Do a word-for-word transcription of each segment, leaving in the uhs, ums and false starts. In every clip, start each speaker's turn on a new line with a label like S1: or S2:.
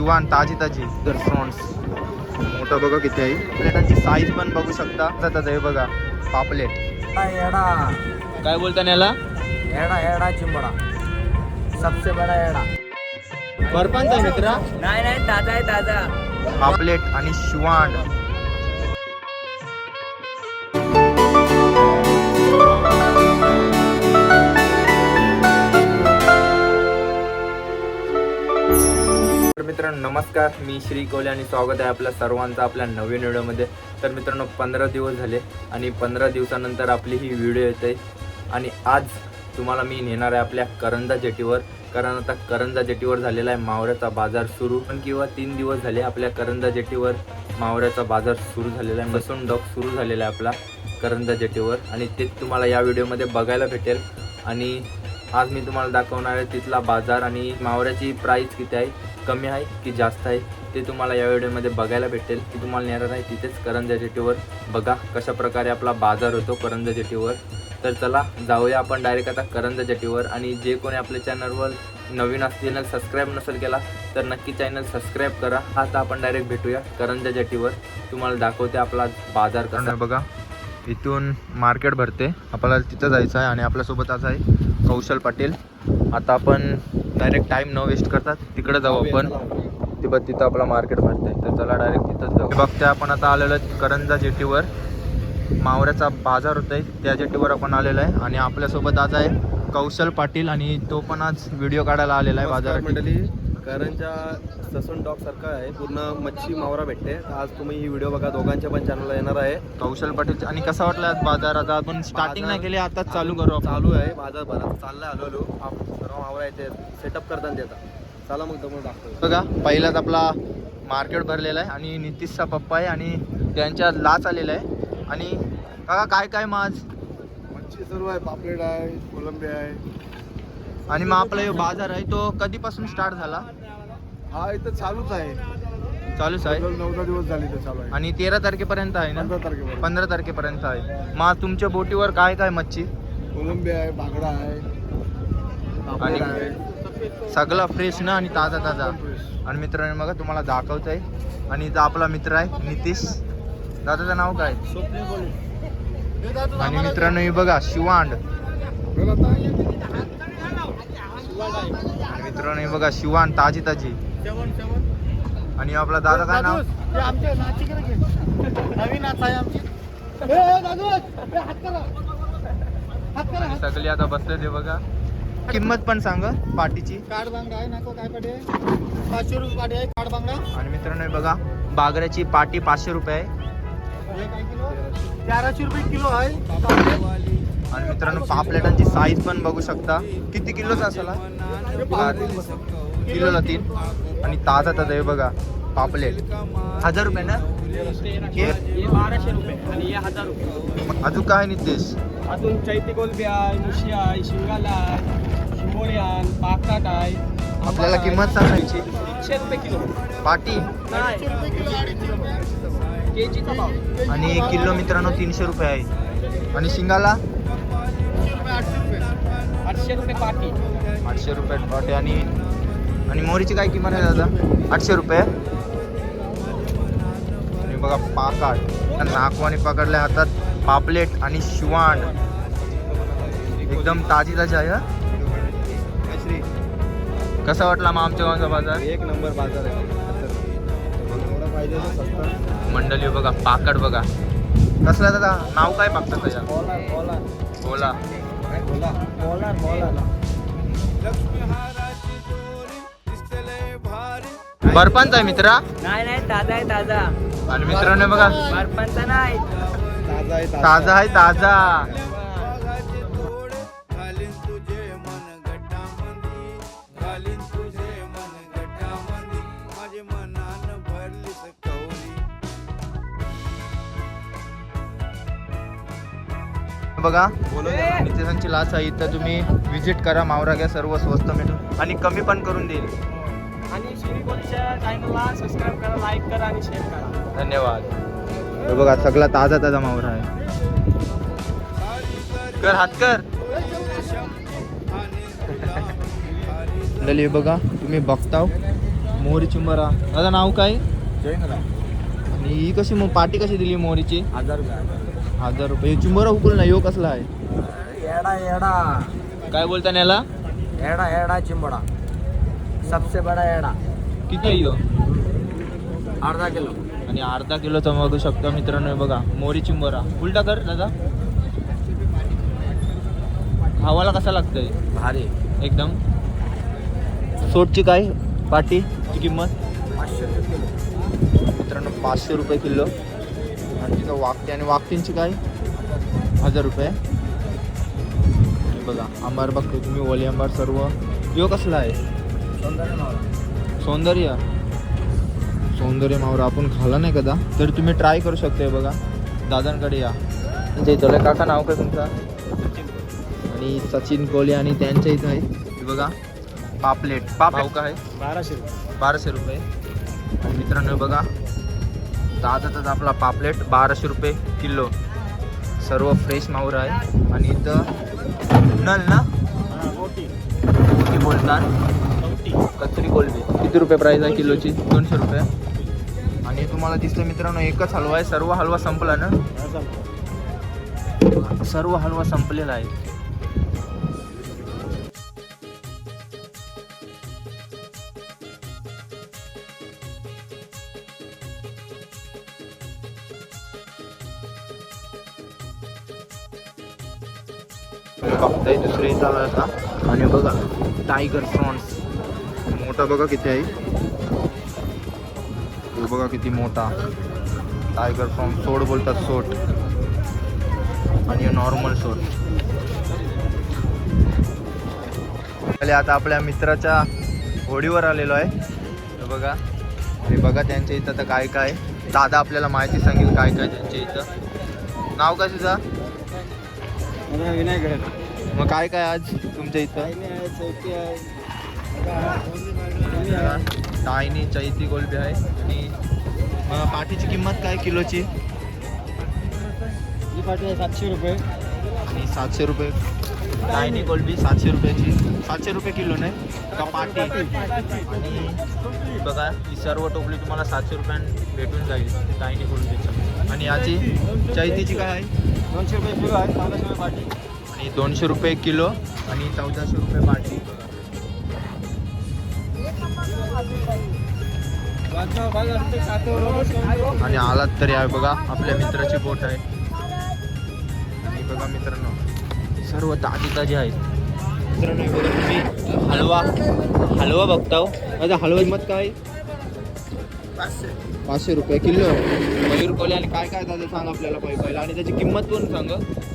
S1: शिवान ताजी ताजी तर फ्रॉन्स मोठा बघा किती आहे. प्लेटांची साईज पण बघू शकता. जातात हे बघा पापलेट.
S2: एड़ा
S1: काय बोलता याला?
S2: एड़ा एड़ा चिंबड़ा सबसे बड़ा एड़ा.
S1: बर्फांचा आहे मित्रा.
S2: नाही नाही ताजा आहे ताजा.
S1: पापलेट आणि शिवांड. मित्रांनो नमस्कार, मी श्री कोले आणि स्वागत आहे आपल्या सर्वांचं आपल्या नवीन व्हिडिओमध्ये. तर मित्रांनो पंधरा दिवस झाले आणि पंधरा दिवसानंतर आपली ही व्हिडिओ येते आणि आज तुम्हाला मी नेणार आहे आपल्या करंजा जेटीवर. कारण आता करंजा जेटीवर झालेला आहे मावळ्याचा बाजार सुरू. पण किंवा तीन दिवस झाले आपल्या करंजा जेटीवर मावळ्याचा बाजार सुरू झालेला आहे. मसून डॉक सुरू झालेला आहे आपला करंजा जेटीवर आणि तेच तुम्हाला या व्हिडिओमध्ये बघायला भेटेल. आणि आज मी तुम्हाला दाखवणार आहे तिथला बाजार आणि मावळ्याची प्राईस किती आहे, कमी आहे की जास्त आहे ते तुम्हाला या व्हिडिओमध्ये बघायला भेटेल. की तुम्हाला नेणार आहे तिथेच करंजा जेटीवर. बघा कशा प्रकारे आपला बाजार होतो करंजा जेटीवर. तर चला जाऊया आपण डायरेक्ट आता करंजा जेटीवर. आणि जे कोणी आपल्या चॅनलवर नवीन असतील, चॅनल सबस्क्राईब नसेल केला तर नक्की चॅनल सबस्क्राईब करा. आता आपण डायरेक्ट भेटूया करंजा जेटीवर. तुम्हाला दाखवते आपला बाजार कसा. बघा इथून मार्केट भरते, आपल्याला तिथं जायचं आहे. आणि आपल्यासोबत आज आहे कौशल पाटील. आता आपण डायरेक्ट टाईम न वेस्ट करतात तिकडे जाऊ आपण. ते बघ तिथं आपला मार्केट भरते. तर चला डायरेक्ट तिथंच जाऊ. बघते आपण आता आलेलो आहे करंजा जेटीवर. मावळ्याचा बाजार होत आहे त्या जेटीवर आपण आलेलो आहे. आणि आपल्यासोबत आज आहे कौशल पाटील आणि तो पण आज व्हिडिओ काढायला आलेला आहे बाजारात.
S3: मंडळी करंजा ससून डॉग सारखा आहे, पूर्ण मच्छी मावरा भेटते. आज तुम्ही ही व्हिडिओ बघा, दोघांच्या पण चॅनलला येणार आहे
S1: कौशल पाटील. आणि कसा वाटला बाजार? आता आपण स्टार्टिंग नाही केली, आता चालू करू आपण.
S3: चालू आहे बाजार भरात चाललाय हळू हळू. सर्व मावरा येते सेटअप करताना देतात. चला मग तुम्हाला दाखवतो.
S1: बघा पहिलाच आपला मार्केट भरलेला आहे आणि नितीशचा पप्पा आहे आणि त्यांच्या लाच आलेला आहे. आणि काका काय काय माझ
S3: मच्छी सर्व आहे, पापलेट आहे, कोलंबी आहे.
S1: आणि मग आपला जो बाजार आहे तो कधीपासून स्टार्ट झाला?
S3: हा इथं चालूच आहे,
S1: चालूच आहे.
S3: नऊ दहा दिवस झाले ते चालू आहे.
S1: आणि तेरा तारखेपर्यंत आहे ना?
S3: पंधरा तारखेपर्यंत
S1: पंधरा तारखेपर्यंत आहे. मग तुमच्या बोटीवर काय काय मच्छी?
S3: कोलंबी आहे, बागडा आहे,
S1: आणि
S3: पापलेट आहे,
S1: सगळा फ्रेश ना आणि ताजा ताजा. आणि मित्रांनो बघा तुम्हाला दाखवत आहे. आणि इथं आपला मित्र आहे नितीश. दादाचं नाव काय? आणि मित्रांनो हे बघा शिवांड. आणि मित्रांनो हे बघा शिवांड ताजी ताजी. आणि आपला दादा काय नाव? सगळे आता बसले ते बघा. किंमत पण सांग पाटीची.
S2: काड बांगडा आहे नको काय पाटे पाचशे रुपये पाटे आहे काड बांगडा.
S1: आणि मित्रांनो हे बघा बागऱ्याची पाटी पाचशे रुपये आहे.
S2: तेराशे रुपये किलो आहे.
S1: आणि मित्रांनो पापलेटांची साईज पण बघू शकता. किती किलोचा असाला? किलोला तीन. आणि ताजा ताजा हे बघा पापलेट हजार रुपये ना हे?
S2: बाराशे रुपये आणि हे हजार रुपये.
S1: अजून काय नितेश?
S2: अजून चैती कोलबी आहे, मुशी आहे, शिंगाला आहे, शिंगोळी आहे, पाकाट आहे.
S1: आपल्याला किंमत सांगायची.
S2: तीनशे रुपये किलो
S1: पाटी
S2: केजीचा भाव.
S1: आणि एक किलो मित्रांनो तीनशे रुपये आहे. आणि शिंगाला
S2: आठशे रुपये पाटी.
S1: आठशे रुपये पाटी. आणि आणि मोहरीची काय किंमत आहे दादा? आठशे रुपये. आणि बघा पाकाट नाकवानी पकडल्या हातात पापलेट आणि शिवांड एकदम ताजी ताजी आहे. हा? कसा वाटला मग आमच्या गावचा बाजार?
S3: एक नंबर बाजार आहे. एवढा पाहिजे तर सस्ता.
S1: मंडळी बघा पाकड बघा कसला दादा नाव काय पाकतं त्याच्या?
S2: बोला बोला
S1: बोला
S2: बोला बोला बोला.
S1: बर्फांचा आहे मित्रा.
S2: नाही नाही ताजा आहे ताजा.
S1: आणि मित्रांनो बघा
S2: बर्फांचा नाही
S3: ताजा आहे
S1: ताजा आहे ताजा. बघा नितेशांची लाच आहे. इथं तुम्ही विजिट करा, मावरा घ्या, सर्व स्वस्त मिळून आणि कमी पण करून देईल.
S2: आणि श्री कोलीच्या चॅनलला सबस्क्राईब करा, लाईक करा आणि शेअर करा.
S1: धन्यवाद. हे बघा सगळा ताजा ताजा मावरा आहे. कर हात कर. लली बघा तुम्ही बघताव मोहरी चिंबरा. दादा नाव काय? आणि ही कशी मग पाटी कशी दिली मोहरीची?
S2: हजार रुपये.
S1: हजार रुपये. चिंबरा हुकुल ना यो कसला आहे?
S2: एडा एडा
S1: काय बोलता याला?
S2: एडा एडा चिंबडा सबसे बडा एडा.
S1: किती आहे यो?
S2: अर्धा किलो.
S1: आणि अर्धा किलोचा बघू शकतो मित्रांनो. हे बघा मोहरी चिंबरा. उलटा कर दादा. खावाला कसा लागतंय?
S2: भारी.
S1: एकदम. सोटची काय पाटी ची किंमत?
S2: पाचशे रुपये किलो.
S1: मित्रांनो पाचशे रुपये किलो. आणि तिथं वाकते. आणि वाकतींची काय? हजार रुपये. हे बघा आंबार बघतो तुम्ही. ओली आंबार सर्व. यो कसला आहे?
S2: सौंदर्य मावळा.
S1: सौंदर्य. सौंदर्य मावरा आपण खाला नाही कदा, तर तुम्ही ट्राय करू शकता. बघा दादांकडे या. त्यांच्या इथं काका नाव काय तुमचा? आणि सचिन कोहली. आणि त्यांच्या इथं आहे हे बघा पापलेट. पाव काय?
S2: बाराशे रुपये.
S1: बाराशे रुपये. आणि मित्रांनो बघा ताजाच आपला पापलेट बाराशे रुपये किलो. सर्व फ्रेश मावर आहे. आणि इथं नल ना
S2: मोठी
S1: मोठी बोलतात कचरी कोलबी. किती रुपये प्राईस आहे किलोची? दोनशे रुपये. आणि तुम्हाला दिसतं मित्रांनो एकच हलवा आहे. सर्व हलवा संपला ना? सर्व हलवा संपलेला आहे. बघताय दुसरे चालू आहे आता. आणि बघा टायगर प्रॉन्स मोठा बघा किती आहे. हे बघा किती मोठा टायगर प्रॉन्स. सोड बोलतात सोट. आणि नॉर्मल सोट. आता आपल्या मित्राच्या होडीवर आलेलो आहे. हे बघा. आणि बघा त्यांच्या इथं आता काय काय. दादा आपल्याला माहिती सांगेल काय काय त्यांच्या इथं. नाव काय तुझं?
S2: विनायक.
S1: मग काय काय आज तुमच्या इथं?
S2: चौकी आहे.
S1: टायनी चैती कोलबी आहे. आणि मग पाठीची किंमत काय किलोची?
S2: ही पाटी आहे सातशे रुपये.
S1: आणि सातशे रुपये. टायनी कोलबी सातशे रुपयाची. सातशे रुपये किलो नाही का पाटी? आणि बघा ही सर्व टोपली तुम्हाला सातशे रुपयांनी भेटून जाईल टायनी कोलबीची. आणि याची चैतीची काय आहे?
S2: दोनशे रुपये किलो आहे. चौदाशे रुपये पाटी.
S1: आणि दोनशे रुपये किलो. आणि चौदाशे रुपये पाटी. आणि आलात तरी आहे बघा आपल्या मित्राची बोट आहे. आणि बघा मित्रांनो सर्व ताजी ताजी आहेत. मित्रांनो हे बघा तुम्ही हलवा हलवा बघताव. माझा हलवा किंमत काय?
S2: पाचशे.
S1: पाचशे रुपये किलो. मयूर कोहली. आणि काय काय दादा सांग आपल्याला पहिलं पहिलं. आणि त्याची किंमत पण सांग.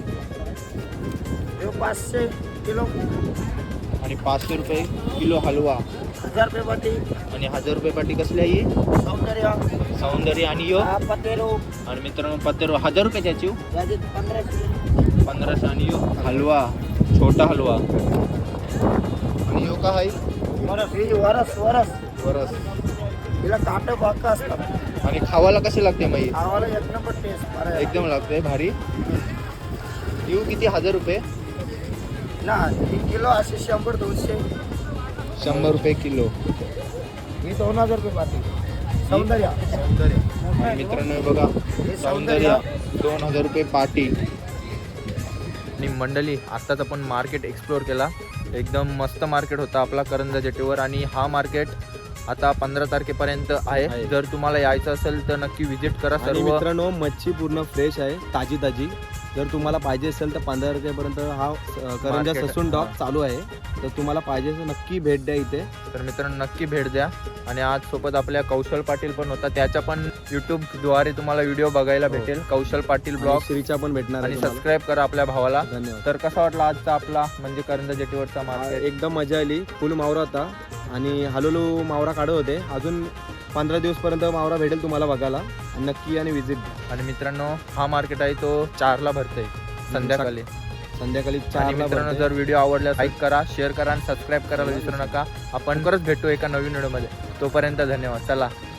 S2: पाचशे किलो.
S1: आणि पाचशे रुपये किलो हलवा.
S2: हजार रुपये पाटी.
S1: आणि हजार रुपये पाटी कसली आहे?
S2: सौंदर्य.
S1: सौंदर्य. आणि यो
S2: पतेरो.
S1: आणि मित्रांनो पत्तेरो हजार रुपये त्याची.
S2: पंधराशे.
S1: पंधराशे. आणि यो हलवा छोटा हलवा. आणि यो काय?
S2: वरस वरस
S1: वरस.
S2: तिला काटं बाका असतात.
S1: आणि खावाला कशी लागते मग?
S2: खावाला एक नंबर टेस्ट.
S1: एकदम लागते भारी. येऊ किती? हजार रुपये
S2: ना. एक किलो असे शंभर दोनशे.
S1: शंभर रुपये किलो.
S2: ही दोन हजार रुपये पाटी. सौंदर्य.
S1: सौंदर्य. आणि मित्रांनो हे बघा सौंदर्य दोन हजार रुपये पाटी. आणि मंडळी आत्ताच आपण मार्केट एक्सप्लोअर केला. एकदम मस्त मार्केट होता आपला करंजा जेटीवर. आणि हा मार्केट आता पंधरा तारखेपर्यंत आहे. जर तुम्हाला यायचं असेल तर नक्की व्हिजिट करा.
S3: आणि
S1: सर्व
S3: मित्रांनो मच्छी पूर्ण फ्रेश आहे. ताजी ताजी. जर तुम्हाला पाहिजे असेल तर पंधरा तारखेपर्यंत हा अ, करंजा
S1: Market.
S3: ससून डॉक चालू आहे. तर तुम्हाला पाहिजे तर नक्की भेट द्या इथे.
S1: तर मित्रांनो नक्की भेट द्या. आणि आज सोबत आपल्या कौशल पाटील पण होता. त्याच्या पण युट्यूब द्वारे तुम्हाला व्हिडिओ बघायला भेटेल. कौशल पाटील ब्लॉग.
S3: श्रीचा पण भेटणार
S1: आणि
S3: आहे तुम्हाला.
S1: सबस्क्राईब करा आपल्या भावाला.
S3: धन्यवाद.
S1: तर कसा वाटला आजचा आपला म्हणजे करंजा जेटीवरचा मार्केट?
S3: एकदम मजा आली. फुल मावरा होता. आणि हळूहळू मावरा काढत होते. अजून पंधरा दिवसपर्यंत मावरा भेटेल तुम्हाला बघायला. आणि नक्की आणि व्हिजिट द्या.
S1: आणि मित्रांनो हा मार्केट आहे तो चारला भरतोय संध्याकाळी.
S3: संध्याकाळी
S1: आणि
S3: चार
S1: मित्रांनो जर व्हिडिओ आवडला लाईक करा, शेअर करा आणि सबस्क्राईब करायला विसरू नका. आपण परत भेटू एका नवीन व्हिडिओमध्ये. तोपर्यंत धन्यवाद. चला.